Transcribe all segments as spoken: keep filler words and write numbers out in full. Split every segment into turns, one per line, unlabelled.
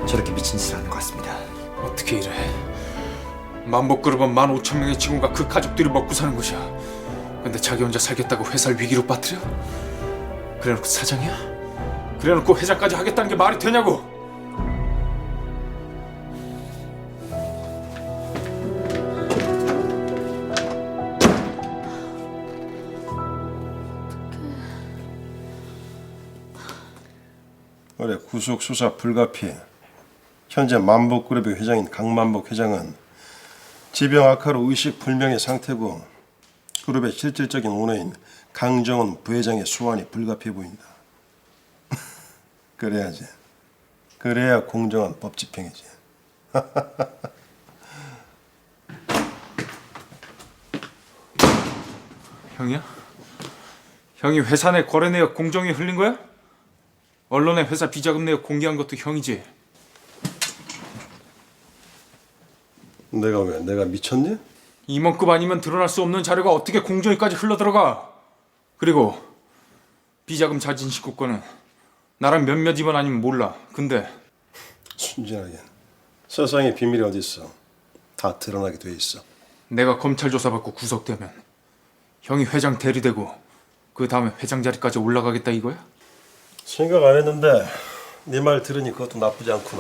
저렇게 미친 짓을 하는 것 같습니다.
어떻게 이래? 만복그룹은 만 오천 명의 직원과 그 가족들이 먹고 사는 곳이야. 근데 자기 혼자 살겠다고 회사를 위기로 빠뜨려? 그래놓고 사장이야? 그래놓고 회장까지 하겠다는 게 말이 되냐고?
그래, 구속 수사 불가피. 현재 만복그룹의 회장인 강만복 회장은 지병 악화로 의식 불명의 상태고 그룹의 실질적인 오너인 강정은 부회장의 소환이 불가피해 보인다. 그래야지. 그래야 공정한 법 집행이지.
형이야? 형이 회사 내 거래 내역 공정위 흘린 거야? 언론에 회사 비자금 내역 공개한 것도 형이지?
내가 왜? 내가 미쳤니?
임원급 아니면 드러날 수 없는 자료가 어떻게 공정위까지 흘러들어가? 그리고 비자금 자진 신고권은 나랑 몇몇 임원 아니면 몰라. 근데
순진하게. 세상에 비밀이 어디 있어? 다 드러나게 돼 있어.
내가 검찰 조사받고 구속되면 형이 회장 대리되고 그 다음에 회장 자리까지 올라가겠다 이거야?
생각 안 했는데 네 말 들으니 그것도 나쁘지 않구나.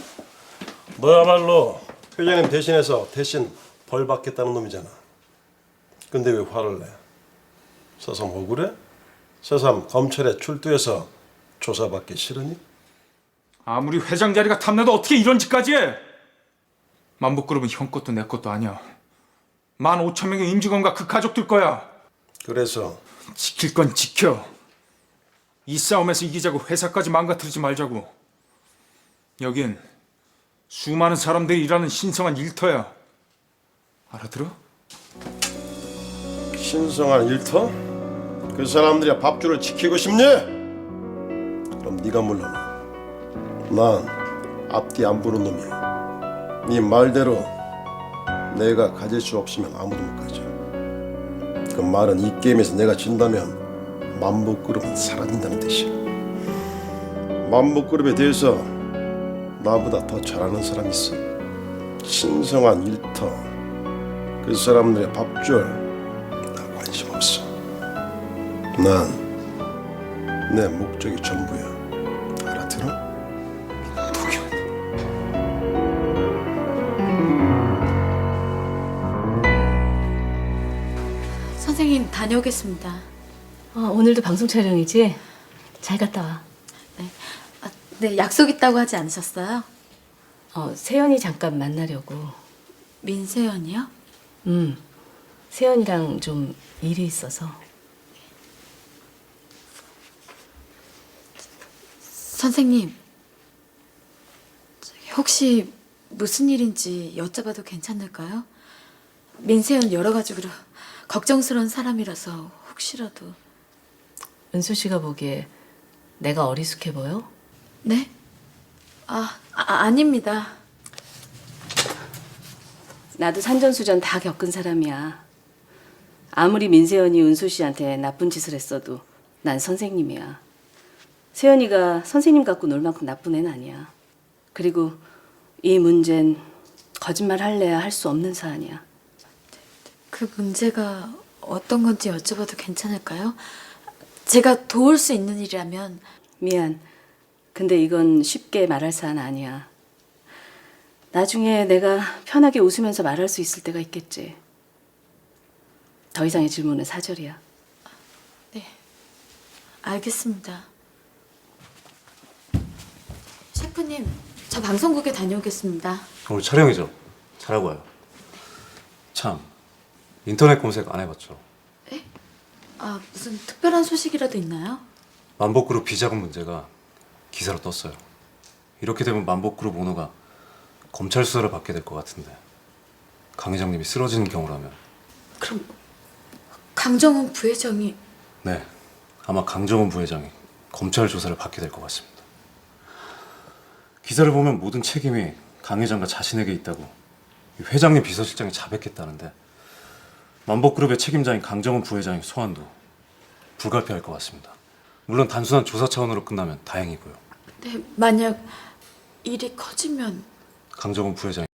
너야말로 회장님 대신해서 대신 벌 받겠다는 놈이잖아. 근데 왜 화를 내? 새삼 억울해? 새삼 검찰에 출두해서 조사받기 싫으니?
아무리 회장 자리가 탐나도 어떻게 이런 짓까지 해? 만복그룹은 형 것도 내 것도 아니야. 만 오천 명의 임직원과 그 가족들 거야.
그래서
지킬 건 지켜. 이 싸움에서 이기자고 회사까지 망가뜨리지 말자고. 여긴 수많은 사람들이 일하는 신성한 일터야. 알아들어?
신성한 일터? 그 사람들이 밥줄을 지키고 싶니? 그럼 네가 물러나. 난 앞뒤 안 보는 놈이야. 네 말대로 내가 가질 수 없으면 아무도 못 가져. 그 말은 이 게임에서 내가 진다면 만복그룹은 사라진다는 뜻이야. 만복그룹에 대해서 나보다 더 잘 아는 사람 있어? 신성한 일터, 그 사람들의 밥줄 나 관심 없어. 난 내 목적이 전부야. 알아들어?
선생님 다녀오겠습니다.
어, 오늘도 방송 촬영이지? 잘 갔다 와.
네. 아, 네, 약속 있다고 하지 않으셨어요?
어, 세연이 잠깐 만나려고.
민세연이요?
음, 세연이랑 좀 일이 있어서.
선생님, 혹시 무슨 일인지 여쭤봐도 괜찮을까요? 민세연 여러 가지로 걱정스러운 사람이라서 혹시라도.
은수 씨가 보기에 내가 어리숙해 보여?
네? 아, 아 아닙니다.
나도 산전수전 다 겪은 사람이야. 아무리 민세연이 은수 씨한테 나쁜 짓을 했어도 난 선생님이야. 세연이가 선생님 갖고 놀 만큼 나쁜 애는 아니야. 그리고 이 문제는 거짓말 할래야 할 수 없는 사안이야.
그 문제가 어떤 건지 여쭤봐도 괜찮을까요? 제가 도울 수 있는 일이라면.
미안. 근데 이건 쉽게 말할 사안 아니야. 나중에 내가 편하게 웃으면서 말할 수 있을 때가 있겠지. 더 이상의 질문은 사절이야.
네, 알겠습니다. 셰프님, 저 방송국에 다녀오겠습니다.
오늘 촬영이죠? 잘하고 와요. 참, 인터넷 검색 안 해봤죠?
에? 아, 무슨 특별한 소식이라도 있나요?
만복그룹 비자금 문제가 기사로 떴어요. 이렇게 되면 만복그룹 오너가 검찰 수사를 받게 될 것 같은데 강 회장님이 쓰러지는 경우라면.
그럼 강정훈 부회장이.
네, 아마 강정훈 부회장이 검찰 조사를 받게 될 것 같습니다. 기사를 보면 모든 책임이 강 회장과 자신에게 있다고 회장님 비서실장이 자백했다는데 만복그룹의 책임자인 강정훈 부회장의 소환도 불가피할 것 같습니다. 물론 단순한 조사 차원으로 끝나면 다행이고요.
네, 만약 일이 커지면
강정은 부회장이